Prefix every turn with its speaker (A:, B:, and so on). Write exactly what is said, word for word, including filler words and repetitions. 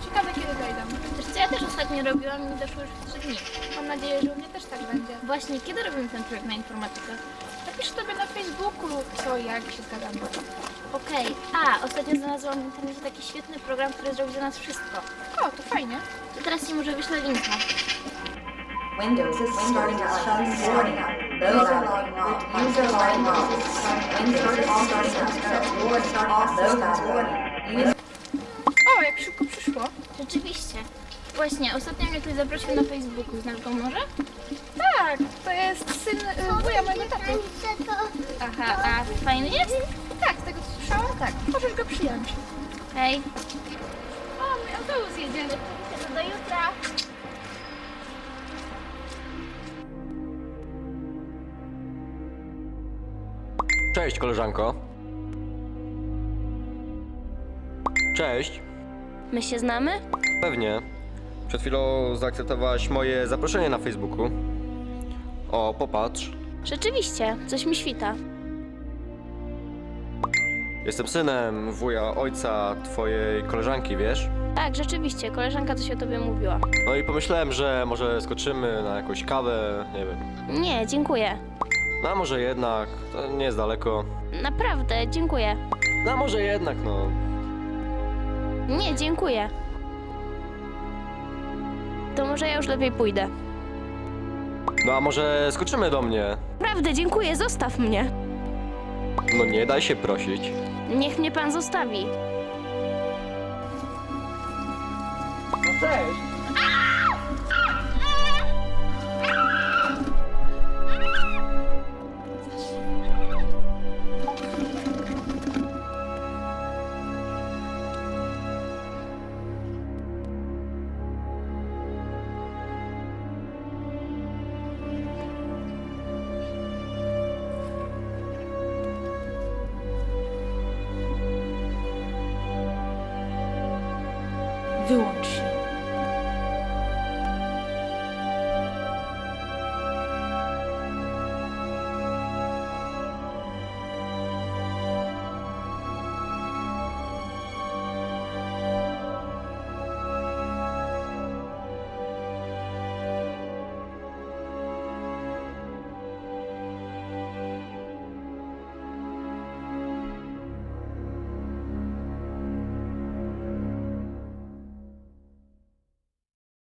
A: Ciekawe kiedy dojdą.
B: Wiesz co, ja też ostatnio robiłam i mi doszło już w trzy dni.
A: Mam nadzieję, że u mnie też tak będzie.
B: Właśnie, kiedy robimy ten projekt na informatykę?
A: Napisz sobie na Facebooku co, jak się zgadzamy.
B: Okej, a ostatnio znalazłam w internecie taki świetny program, który zrobi za nas wszystko.
A: O, to fajnie.
B: To teraz ci może wyślę linka.
C: Windows is starting up. Starting up. Those are logging off. User logging off. Windows is starting up. War starting off. Those are logging. User
A: O, jak szybko przyszło.
B: Rzeczywiście. Właśnie, ostatnio mnie ktoś zaprosił na Facebooku. Znasz go może?
A: Tak, to jest syn y, wuja mojego taty.
B: Aha, a fajny jest?
A: Tak, z tego co słyszałam, tak. Możesz go przyjąć.
B: Hej.
A: O, mój autobus jedzie.
B: To do jutra.
D: Cześć, koleżanko. Cześć.
B: My się znamy?
D: Pewnie. Przed chwilą zaakceptowałaś moje zaproszenie na Facebooku. O, popatrz.
B: Rzeczywiście, coś mi świta.
D: Jestem synem wuja ojca twojej koleżanki, wiesz?
B: Tak, rzeczywiście, koleżanka coś o tobie mówiła.
D: No i pomyślałem, że może skoczymy na jakąś kawę, nie wiem.
B: Nie, dziękuję.
D: No a może jednak, to nie jest daleko.
B: Naprawdę, dziękuję.
D: No a może jednak, no.
B: Nie, dziękuję. To może ja już lepiej pójdę.
D: No a może skoczymy do mnie?
B: Naprawdę, dziękuję, zostaw mnie.
D: No nie daj się prosić.
B: Niech mnie pan zostawi.
D: No cześć.
A: Wyłącz się.